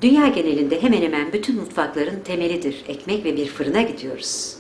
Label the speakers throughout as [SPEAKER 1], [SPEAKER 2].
[SPEAKER 1] Dünya genelinde hemen hemen bütün mutfakların temelidir ekmek ve bir fırına gidiyoruz.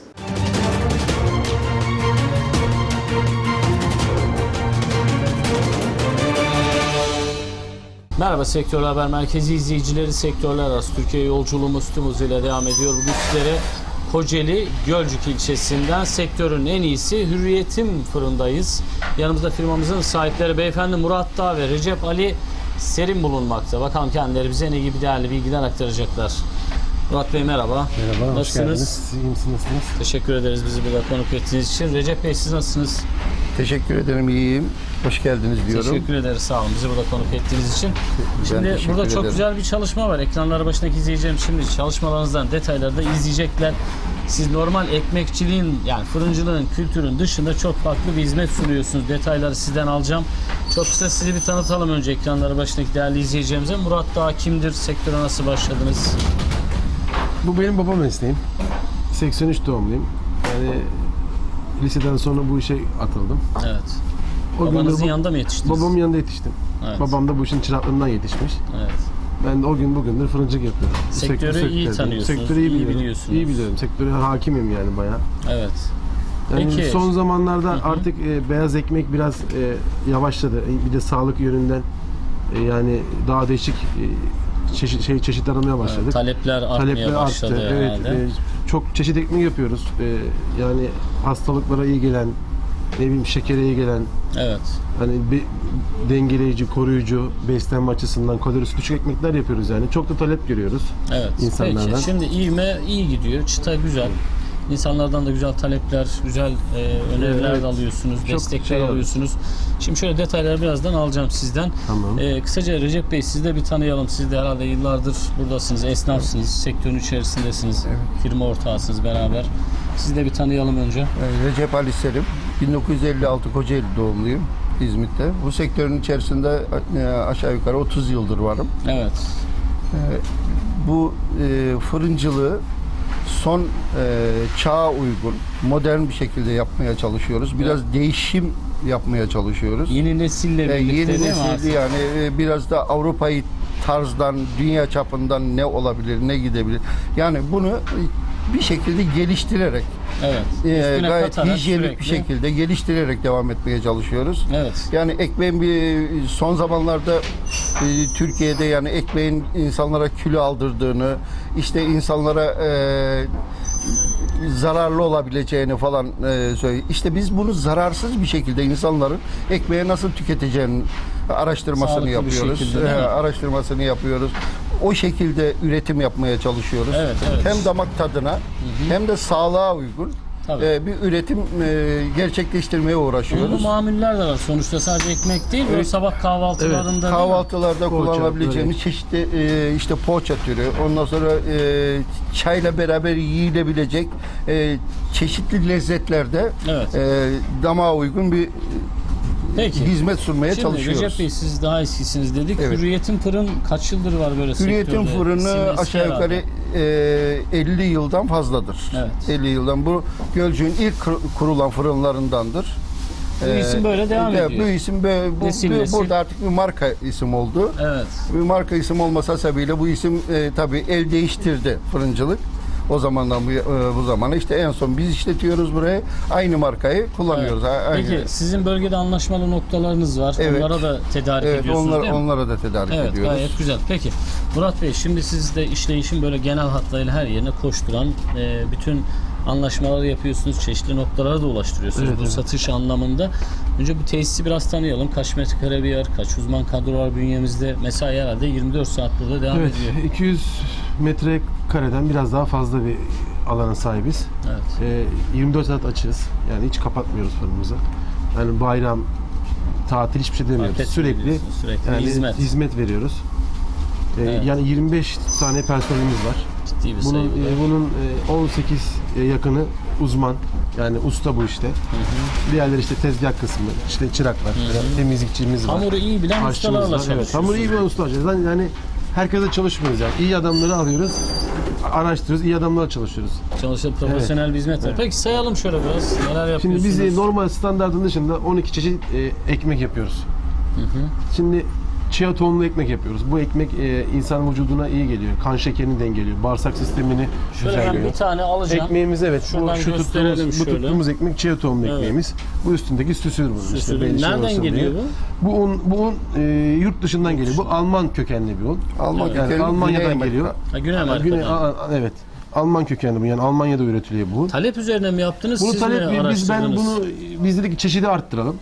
[SPEAKER 2] Merhaba Sektör Haber Merkezi izleyicileri, sektörler arası Türkiye yolculuğumuz tüm hızıyla devam ediyor. Bugün sizlere Kocaeli Gölcük ilçesinden sektörün en iyisi Hürriyet'in fırındayız. Yanımızda firmamızın sahipleri beyefendi Murat Dağ ve Recep Ali Serin bulunmakta. Bakalım kendileri bize ne gibi değerli bilgiler aktaracaklar. Murat Bey merhaba.
[SPEAKER 3] Merhaba,
[SPEAKER 2] nasılsınız?
[SPEAKER 3] hoş geldiniz. İyi misiniz, nasılsınız?
[SPEAKER 2] Teşekkür ederiz bizi burada konuk ettiğiniz için. Recep Bey siz nasılsınız?
[SPEAKER 4] Teşekkür ederim, iyiyim. Hoş geldiniz diyorum.
[SPEAKER 2] Teşekkür ederiz, sağ olun bizi burada konuk ettiğiniz için. Şimdi burada çok güzel bir çalışma var. Ekranları başındaki izleyeceğim şimdi çalışmalarınızdan detayları da izleyecekler. Siz normal ekmekçiliğin yani fırıncılığın kültürün dışında çok farklı bir hizmet sunuyorsunuz. Detayları sizden alacağım. Çok kısa sizi bir tanıtalım önce ekranları başındaki değerli izleyeceğimize. Murat Dağ kimdir? Sektöre nasıl başladınız?
[SPEAKER 3] Bu benim baba mesleğim. 83 doğumluyum. Yani liseden sonra bu işe atıldım.
[SPEAKER 2] Evet.
[SPEAKER 3] O
[SPEAKER 2] Babanızın yanında mı yetiştiniz?
[SPEAKER 3] Babamın yanında yetiştim.
[SPEAKER 2] Evet.
[SPEAKER 3] Babam da bu işin çıraklığından yetişmiş.
[SPEAKER 2] Evet.
[SPEAKER 3] Ben de o gün bugündür fırıncılık yapıyorum.
[SPEAKER 2] Sektörü iyi tanıyorsunuz,
[SPEAKER 3] Sektörü iyi biliyorum.
[SPEAKER 2] biliyorsunuz.
[SPEAKER 3] İyi biliyorum. Sektöre hakimim yani bayağı.
[SPEAKER 2] Evet.
[SPEAKER 3] Yani
[SPEAKER 2] Peki.
[SPEAKER 3] son zamanlarda artık beyaz ekmek biraz yavaşladı. Bir de sağlık yönünden yani daha değişik çeşit aramaya başladık.
[SPEAKER 2] Evet, talepler artmaya başladı
[SPEAKER 3] arttı. Evet,
[SPEAKER 2] herhalde.
[SPEAKER 3] çok çeşit ekmek yapıyoruz. Yani hastalıklara iyi gelen, ne bileyim şekere iyi gelen,
[SPEAKER 2] Evet.
[SPEAKER 3] hani bir dengeleyici, koruyucu, beslenme açısından kalorisi düşük ekmekler yapıyoruz yani. Çok da talep görüyoruz
[SPEAKER 2] Evet.
[SPEAKER 3] insanlardan.
[SPEAKER 2] Peki şimdi ivme iyi gidiyor. Çıta güzel. İnsanlardan da güzel talepler, güzel öneriler
[SPEAKER 3] Evet.
[SPEAKER 2] de alıyorsunuz,
[SPEAKER 3] Çok
[SPEAKER 2] destekler alıyorsunuz. Şimdi şöyle detayları birazdan alacağım sizden.
[SPEAKER 3] Tamam.
[SPEAKER 2] Kısaca Recep Bey sizi de bir tanıyalım. Siz de herhalde yıllardır buradasınız, esnafsınız, sektörün içerisindesiniz, firma ortağısınız beraber. Sizi de bir tanıyalım önce.
[SPEAKER 4] Recep Ali Serim, 1956 Kocaeli doğumluyum, İzmit'te. Bu sektörün içerisinde aşağı yukarı 30 yıldır varım.
[SPEAKER 2] Evet.
[SPEAKER 4] Bu fırıncılığı son çağa uygun, modern bir şekilde yapmaya çalışıyoruz. Biraz değişim yapmaya çalışıyoruz.
[SPEAKER 2] Yeni nesille birlikte
[SPEAKER 4] Yeni
[SPEAKER 2] değil mi
[SPEAKER 4] nesil
[SPEAKER 2] artık?
[SPEAKER 4] yani biraz da Avrupa'yı tarzdan, dünya çapından ne olabilir, ne gidebilir. Yani bunu bir şekilde geliştirerek,
[SPEAKER 2] Evet. Üstüne
[SPEAKER 4] gayet
[SPEAKER 2] katarak
[SPEAKER 4] hijyenik
[SPEAKER 2] sürekli.
[SPEAKER 4] bir şekilde geliştirerek devam etmeye çalışıyoruz.
[SPEAKER 2] Evet.
[SPEAKER 4] Yani ekmeğin son zamanlarda Türkiye'de yani ekmeğin insanlara kilo aldırdığını, işte insanlara zararlı olabileceğini falan söylüyor. İşte biz bunu zararsız bir şekilde insanların ekmeği nasıl tüketeceğini araştırmasını
[SPEAKER 2] Sağlıklı bir
[SPEAKER 4] yapıyoruz.
[SPEAKER 2] şekilde, değil mi?
[SPEAKER 4] Araştırmasını yapıyoruz. O şekilde üretim yapmaya çalışıyoruz.
[SPEAKER 2] Evet, evet.
[SPEAKER 4] Hem damak tadına hem de sağlığa uygun
[SPEAKER 2] Tabii.
[SPEAKER 4] bir üretim gerçekleştirmeye
[SPEAKER 2] Bunun
[SPEAKER 4] uğraşıyoruz.
[SPEAKER 2] mamuller de var. Sonuçta sadece ekmek değil, böyle sabah kahvaltılarında değil mi?
[SPEAKER 4] Kahvaltılarda
[SPEAKER 3] Poğaça,
[SPEAKER 4] kullanabileceğimiz çeşitli işte poğaça türü, ondan sonra çayla beraber yiyilebilecek çeşitli lezzetlerde
[SPEAKER 2] Evet.
[SPEAKER 4] damağa uygun bir
[SPEAKER 2] Peki.
[SPEAKER 4] hizmet sunmaya
[SPEAKER 2] Şimdi
[SPEAKER 4] çalışıyoruz.
[SPEAKER 2] Recep Bey siz daha eskisiniz dedik.
[SPEAKER 4] Evet.
[SPEAKER 2] Hürriyet'in fırın kaç yıldır var böyle
[SPEAKER 4] Hürriyet'in
[SPEAKER 2] sektörde?
[SPEAKER 4] fırını
[SPEAKER 2] Sizin eski
[SPEAKER 4] aşağı yukarı
[SPEAKER 2] herhalde.
[SPEAKER 4] 50 yıldan fazladır.
[SPEAKER 2] Evet.
[SPEAKER 4] 50 yıldan. Bu Gölcük'ün ilk kurulan fırınlarındandır.
[SPEAKER 2] Bu isim böyle devam ediyor.
[SPEAKER 4] Bu isim
[SPEAKER 2] Nesil nesil.
[SPEAKER 4] burada artık bir marka isim oldu.
[SPEAKER 2] Evet.
[SPEAKER 4] Bir marka isim olmasa sebebiyle bu isim tabii el değiştirdi fırıncılık. O zamandan bu zamana işte en son biz işletiyoruz burayı. Aynı markayı kullanıyoruz.
[SPEAKER 2] Evet.
[SPEAKER 4] Aynı.
[SPEAKER 2] Peki sizin bölgede anlaşmalı noktalarınız var.
[SPEAKER 4] Evet.
[SPEAKER 2] Onlara da tedarik ediyorsunuz değil mi?
[SPEAKER 4] Onlara da tedarik
[SPEAKER 2] Evet,
[SPEAKER 4] ediyoruz.
[SPEAKER 2] gayet güzel. Peki Murat Bey şimdi siz de işleyişin böyle genel hatlarıyla her yerine koşturan bütün anlaşmaları yapıyorsunuz. Çeşitli noktalara da ulaştırıyorsunuz
[SPEAKER 3] Evet,
[SPEAKER 2] bu
[SPEAKER 3] evet.
[SPEAKER 2] satış anlamında. Önce bu tesisi biraz tanıyalım. Kaç metrekare bir yer, kaç uzman kadro var bünyemizde? Mesai herhalde 24 saat burada devam
[SPEAKER 3] Evet,
[SPEAKER 2] ediyor.
[SPEAKER 3] 200 metrekareden biraz daha fazla bir alana sahibiz.
[SPEAKER 2] Evet.
[SPEAKER 3] 24 saat açığız. Yani hiç kapatmıyoruz fırınımızı. Yani bayram, tatil hiçbir şey demiyoruz.
[SPEAKER 2] Market
[SPEAKER 3] Sürekli
[SPEAKER 2] diyorsunuz, sürekli
[SPEAKER 3] yani
[SPEAKER 2] hizmet.
[SPEAKER 3] veriyoruz.
[SPEAKER 2] Evet.
[SPEAKER 3] Yani 25 tane personelimiz var.
[SPEAKER 2] Ciddi bir
[SPEAKER 3] Bunun
[SPEAKER 2] sayı bu da.
[SPEAKER 3] bunun 18 yakını uzman. Yani usta bu işte. Diğerleri işte tezgah kısmı, işte çıraklar, temizlikçimiz var.
[SPEAKER 2] Hamuru iyi bilen
[SPEAKER 3] Aşçımız
[SPEAKER 2] ustalarla
[SPEAKER 3] var.
[SPEAKER 2] çalışıyorsunuz.
[SPEAKER 3] Evet, hamuru iyi bilen usta alacağız. Yani herkese çalışmıyoruz yani. İyi adamları alıyoruz, araştırıyoruz, iyi adamlarla çalışıyoruz.
[SPEAKER 2] Çalışıp profesyonel bir hizmet var.
[SPEAKER 3] Evet.
[SPEAKER 2] Peki sayalım şöyle biraz. Neler yapıyorsunuz?
[SPEAKER 3] Şimdi biz normal standartın dışında 12 çeşit ekmek yapıyoruz. Şimdi chia tohumlu ekmek yapıyoruz. Bu ekmek insan vücuduna iyi geliyor. Kan şekerini dengeliyor. Bağırsak sistemini
[SPEAKER 2] Şöyle ben
[SPEAKER 3] düzenliyor.
[SPEAKER 2] bir tane alacağım.
[SPEAKER 3] Ekmeğimiz evet.
[SPEAKER 2] Şuradan
[SPEAKER 3] Şu
[SPEAKER 2] gösterelim
[SPEAKER 3] tuttuğumuz, bu
[SPEAKER 2] şöyle.
[SPEAKER 3] tuttuğumuz ekmek chia tohumlu
[SPEAKER 2] Evet.
[SPEAKER 3] ekmeğimiz. Bu üstündeki süsüdür bunun. İşte
[SPEAKER 2] Süsü.
[SPEAKER 3] belli şey
[SPEAKER 2] Nereden
[SPEAKER 3] olsun
[SPEAKER 2] geliyor
[SPEAKER 3] diye.
[SPEAKER 2] bu?
[SPEAKER 3] Bu un yurt dışından geliyor. Bu Alman kökenli bir un.
[SPEAKER 4] Alman
[SPEAKER 3] Yani
[SPEAKER 4] kökenli,
[SPEAKER 3] Almanya'dan
[SPEAKER 4] Güney
[SPEAKER 3] geliyor.
[SPEAKER 4] Amerika.
[SPEAKER 2] Ha, Güney Amerika'dan.
[SPEAKER 3] Evet. Alman kökenli bu. Yani Almanya'da üretiliyor bu.
[SPEAKER 2] Talep üzerine mi yaptınız?
[SPEAKER 3] Bunu
[SPEAKER 2] Siz mi araştırdınız?
[SPEAKER 3] biz dedik ki çeşidi arttıralım.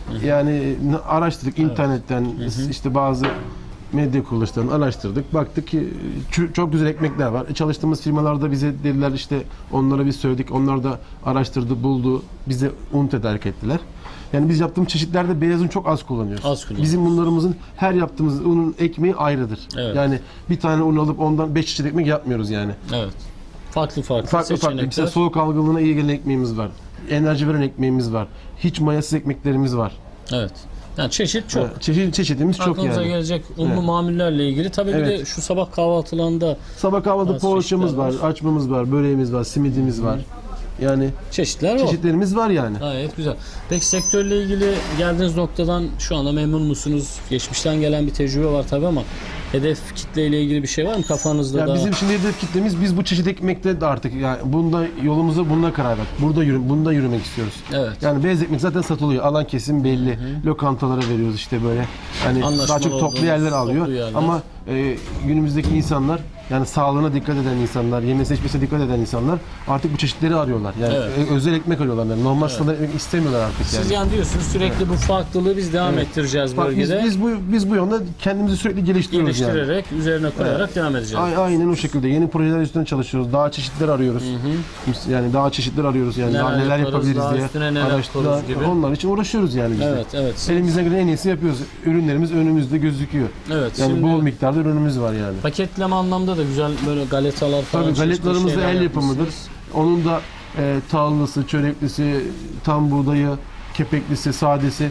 [SPEAKER 3] Yani araştırdık internetten işte bazı medya kuruluşlarını araştırdık. Baktık ki çok güzel ekmekler var. Çalıştığımız firmalarda bize dediler işte onlara biz söyledik. Onlar da araştırdı, buldu. Bize un tedarik ettiler. Yani biz yaptığımız çeşitlerde beyaz un çok az kullanıyoruz.
[SPEAKER 2] Az kullanıyoruz.
[SPEAKER 3] Bizim unlarımızın her yaptığımız unun ekmeği ayrıdır.
[SPEAKER 2] Evet.
[SPEAKER 3] Yani bir tane un alıp ondan 5 çeşit ekmek yapmıyoruz yani.
[SPEAKER 2] Evet. Farklı
[SPEAKER 3] Farklı
[SPEAKER 2] seçenekler.
[SPEAKER 3] mesela soğuk algınlığına iyi gelen ekmeğimiz var. Enerji veren ekmeğimiz var. Hiç mayasız ekmeklerimiz var.
[SPEAKER 2] Evet. Yani çeşit çok.
[SPEAKER 3] Çeşitimiz çok
[SPEAKER 2] Aklınıza
[SPEAKER 3] yani.
[SPEAKER 2] gelecek unlu
[SPEAKER 3] Evet.
[SPEAKER 2] mamullerle ilgili. Tabii bir
[SPEAKER 3] Evet.
[SPEAKER 2] de şu sabah kahvaltılarında
[SPEAKER 3] Sabah kahvaltıda
[SPEAKER 2] Bazı
[SPEAKER 3] poğaçamız
[SPEAKER 2] çeşitler
[SPEAKER 3] var, açmamız var, böreğimiz var, simidimiz var. Yani
[SPEAKER 2] çeşitler var.
[SPEAKER 3] çeşitlerimiz var yani.
[SPEAKER 2] Gayet güzel. Peki sektörle ilgili geldiğiniz noktadan şu anda memnun musunuz? Geçmişten gelen bir tecrübe var tabii ama hedef kitleyle ilgili bir şey var mı kafanızda
[SPEAKER 3] Yani
[SPEAKER 2] da?
[SPEAKER 3] bizim şimdi hedef kitlemiz biz bu çeşit ekmekte de artık yani bunda yolumuza bununla karar verdik. Bunda yürümek istiyoruz.
[SPEAKER 2] Evet.
[SPEAKER 3] Yani beyaz ekmek zaten satılıyor. Alan kesim belli. Lokantalara veriyoruz işte böyle. Hani
[SPEAKER 2] Anlaşmalı
[SPEAKER 3] daha çok toplu
[SPEAKER 2] olduğumuz
[SPEAKER 3] yerler alıyor.
[SPEAKER 2] toplu yerler.
[SPEAKER 3] Ama günümüzdeki insanlar yani sağlığına dikkat eden insanlar, yeme seçmesine dikkat eden insanlar artık bu çeşitleri arıyorlar. Yani
[SPEAKER 2] Evet.
[SPEAKER 3] özel ekmek arıyorlar. Yani normal standart ekmek istemiyorlar artık yani.
[SPEAKER 2] Siz yani diyorsunuz sürekli bu farklılığı biz devam ettireceğiz
[SPEAKER 3] Bak
[SPEAKER 2] bölgede.
[SPEAKER 3] biz bu yönde kendimizi sürekli geliştiriyoruz yani.
[SPEAKER 2] geliştirerek, üzerine koyarak devam edeceğiz.
[SPEAKER 3] Aynen o şekilde. Yeni projeler üstüne çalışıyoruz. Daha çeşitler arıyoruz. Yani daha çeşitler arıyoruz. Yani daha neler
[SPEAKER 2] yaparız,
[SPEAKER 3] yapabiliriz
[SPEAKER 2] daha
[SPEAKER 3] diye
[SPEAKER 2] üstüne neler
[SPEAKER 3] araştırıyoruz
[SPEAKER 2] yaparız gibi.
[SPEAKER 3] Onlar için uğraşıyoruz yani biz de.
[SPEAKER 2] Evet, evet.
[SPEAKER 3] Elimizden gelen en iyisini yapıyoruz. Ürünlerimiz önümüzde gözüküyor.
[SPEAKER 2] Evet.
[SPEAKER 3] Yani
[SPEAKER 2] şimdi
[SPEAKER 3] bol miktarda ürünümüz var yani.
[SPEAKER 2] paketleme anlamda da güzel böyle galetalar falan.
[SPEAKER 3] Tabii
[SPEAKER 2] çeşitli
[SPEAKER 3] galetlarımız da
[SPEAKER 2] şeyler
[SPEAKER 3] el yapımıdır.
[SPEAKER 2] yapmışsınız.
[SPEAKER 3] Onun da tahıllısı, çöreklisi, tam buğdayı, kepeklisi, sadesi.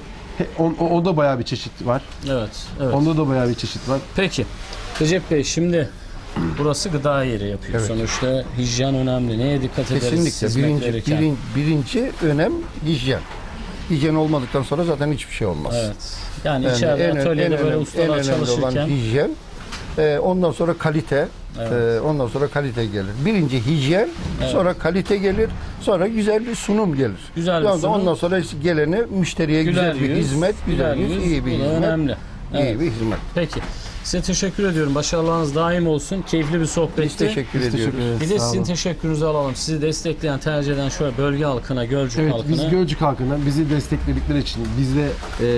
[SPEAKER 3] O da bayağı bir çeşit var.
[SPEAKER 2] Evet, evet.
[SPEAKER 3] Onda da bayağı bir çeşit var.
[SPEAKER 2] Peki. Recep Bey şimdi burası gıda yeri yapıyor.
[SPEAKER 4] Evet.
[SPEAKER 2] Sonuçta hijyen önemli. Neye dikkat ederiz
[SPEAKER 4] Kesinlikle.
[SPEAKER 2] hizmet verirken?
[SPEAKER 4] Birinci önem hijyen. Hijyen olmadıktan sonra zaten hiçbir şey olmaz.
[SPEAKER 2] Evet. Yani
[SPEAKER 4] Yani
[SPEAKER 2] içeride atölyede böyle
[SPEAKER 4] en
[SPEAKER 2] ustalar
[SPEAKER 4] önemli olan
[SPEAKER 2] çalışırken
[SPEAKER 4] hijyen. Ondan sonra kalite.
[SPEAKER 2] Evet.
[SPEAKER 4] Ondan sonra kalite gelir. Birinci hijyen, sonra kalite gelir, sonra güzel bir sunum gelir.
[SPEAKER 2] Güzel bir sunum.
[SPEAKER 4] Ondan sonra geleni müşteriye güzel bir
[SPEAKER 2] yüz,
[SPEAKER 4] hizmet, güzel
[SPEAKER 2] yüz,
[SPEAKER 4] iyi bir
[SPEAKER 2] bu da
[SPEAKER 4] hizmet.
[SPEAKER 2] önemli. Evet.
[SPEAKER 4] İyi bir hizmet.
[SPEAKER 2] Peki. Size teşekkür ediyorum. Başarılarınız daim olsun. Keyifli bir sohbetti.
[SPEAKER 4] Biz teşekkür
[SPEAKER 3] Biz
[SPEAKER 4] ediyoruz.
[SPEAKER 3] teşekkür ederiz.
[SPEAKER 2] Bir de
[SPEAKER 3] Sağ
[SPEAKER 2] sizin
[SPEAKER 3] olun.
[SPEAKER 2] teşekkürünüzü alalım. Sizi destekleyen, tercih eden şöyle bölge halkına, Gölcük
[SPEAKER 3] Evet,
[SPEAKER 2] halkına.
[SPEAKER 3] biz Gölcük halkına bizi destekledikleri için, biz de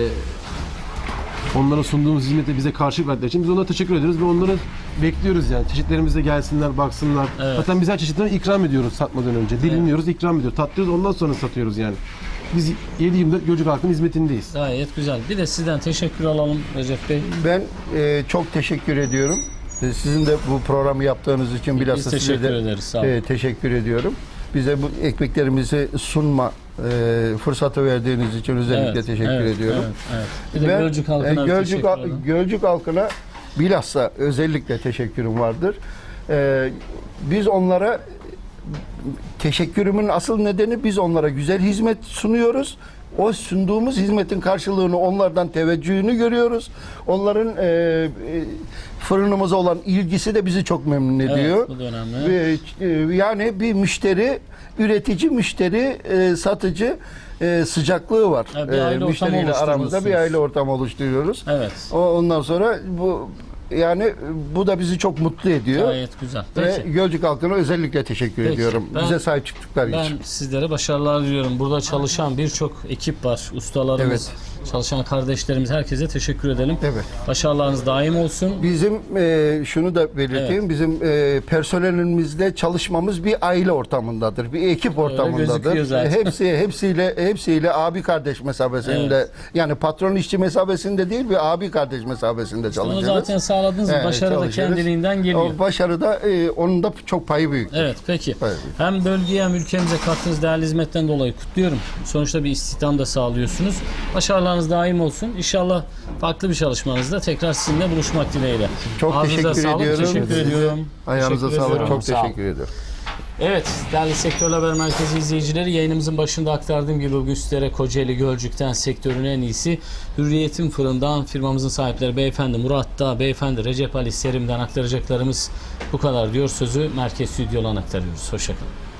[SPEAKER 3] onlara sunduğumuz hizmete bize karşılık verdikleri için biz onlara teşekkür ediyoruz ve onları bekliyoruz yani. Çeşitlerimize gelsinler, baksınlar.
[SPEAKER 2] Evet.
[SPEAKER 3] Zaten biz her çeşitten ikram ediyoruz satmadan önce. Dilimliyoruz, ikram ediyoruz. Tatlıyoruz, ondan sonra satıyoruz yani. Biz 7/24 Gölcük halkının hizmetindeyiz.
[SPEAKER 2] Gayet güzel. Bir de sizden teşekkür alalım Recep Bey.
[SPEAKER 4] Ben çok teşekkür ediyorum. Sizin de bu programı yaptığınız için bilhassa
[SPEAKER 2] Biz
[SPEAKER 4] size
[SPEAKER 2] teşekkür
[SPEAKER 4] de
[SPEAKER 2] ederiz. Sağ olun.
[SPEAKER 4] teşekkür ediyorum. Bize bu ekmeklerimizi sunma fırsatı verdiğiniz için özellikle teşekkür ediyorum.
[SPEAKER 2] Evet, evet. Bir de
[SPEAKER 4] Ben,
[SPEAKER 2] Gölcük halkına bir
[SPEAKER 4] Gölcük,
[SPEAKER 2] teşekkür ederim.
[SPEAKER 4] Gölcük halkına bilhassa özellikle teşekkürüm vardır. Biz onlara teşekkürümün asıl nedeni biz onlara güzel hizmet sunuyoruz. O sunduğumuz hizmetin karşılığını onlardan teveccühünü görüyoruz. Onların fırınımıza olan ilgisi de bizi çok memnun ediyor.
[SPEAKER 2] Evet, bu da önemli.
[SPEAKER 4] Yani bir müşteri, üretici, müşteri, satıcı sıcaklığı var.
[SPEAKER 2] Ha, bir aile ortamı
[SPEAKER 4] Müşteriyle aramızda bir
[SPEAKER 2] oluşturmuşsunuz.
[SPEAKER 4] aile ortamı oluşturuyoruz.
[SPEAKER 2] Evet.
[SPEAKER 4] Ondan sonra bu da bizi çok mutlu ediyor.
[SPEAKER 2] Gayet güzel.
[SPEAKER 4] Ve
[SPEAKER 2] Peki.
[SPEAKER 4] Gölcük halkına özellikle teşekkür
[SPEAKER 2] Peki.
[SPEAKER 4] ediyorum.
[SPEAKER 2] Ben-
[SPEAKER 4] Bize sahip çıktıkları
[SPEAKER 2] Ben
[SPEAKER 4] için.
[SPEAKER 2] sizlere başarılar diliyorum. Burada çalışan birçok ekip var. Ustalarımız, çalışan kardeşlerimiz, herkese teşekkür edelim.
[SPEAKER 4] Evet.
[SPEAKER 2] Başarılarınız daim olsun.
[SPEAKER 4] Bizim şunu da belirteyim.
[SPEAKER 2] Evet.
[SPEAKER 4] Bizim personelimizle çalışmamız bir aile ortamındadır. Bir ekip ortamındadır.
[SPEAKER 2] gözüküyor zaten.
[SPEAKER 4] Hepsiyle abi kardeş mesabesinde, yani patron işçi mesabesinde değil, bir abi kardeş mesabesinde
[SPEAKER 2] Onu
[SPEAKER 4] çalışıyoruz.
[SPEAKER 2] zaten sağladınız.
[SPEAKER 4] Evet,
[SPEAKER 2] Başarı da
[SPEAKER 4] çalışıyoruz.
[SPEAKER 2] kendiliğinden geliyor.
[SPEAKER 4] O başarıda onun da çok payı büyük.
[SPEAKER 2] Evet, peki.
[SPEAKER 4] Evet.
[SPEAKER 2] Hem bölgeye hem ülkemize kattığınız değerli hizmetten dolayı kutluyorum. Sonuçta bir istihdam da sağlıyorsunuz. Başarılarınız daim olsun. İnşallah farklı bir çalışmanızda tekrar sizinle buluşmak dileğiyle.
[SPEAKER 4] Çok
[SPEAKER 2] Ağzınıza
[SPEAKER 4] teşekkür
[SPEAKER 2] sağlık,
[SPEAKER 4] ediyorum.
[SPEAKER 2] Teşekkür ediyorum.
[SPEAKER 4] Ayağınıza
[SPEAKER 2] Teşekkür
[SPEAKER 4] sağlık.
[SPEAKER 2] ediyorum.
[SPEAKER 4] Çok
[SPEAKER 2] Sağ olun.
[SPEAKER 4] teşekkür ediyorum.
[SPEAKER 2] Evet, değerli Sektör Haber Merkezi izleyicileri, yayınımızın başında aktardığım gibi bugün sizlere Kocaeli Gölcük'ten sektörün en iyisi Hürriyet'in Fırından firmamızın sahipleri Beyefendi Murat Dağ, Beyefendi Recep Ali Serim'den aktaracaklarımız bu kadar diyor. Sözü merkez stüdyodan aktarıyoruz. Hoşçakalın.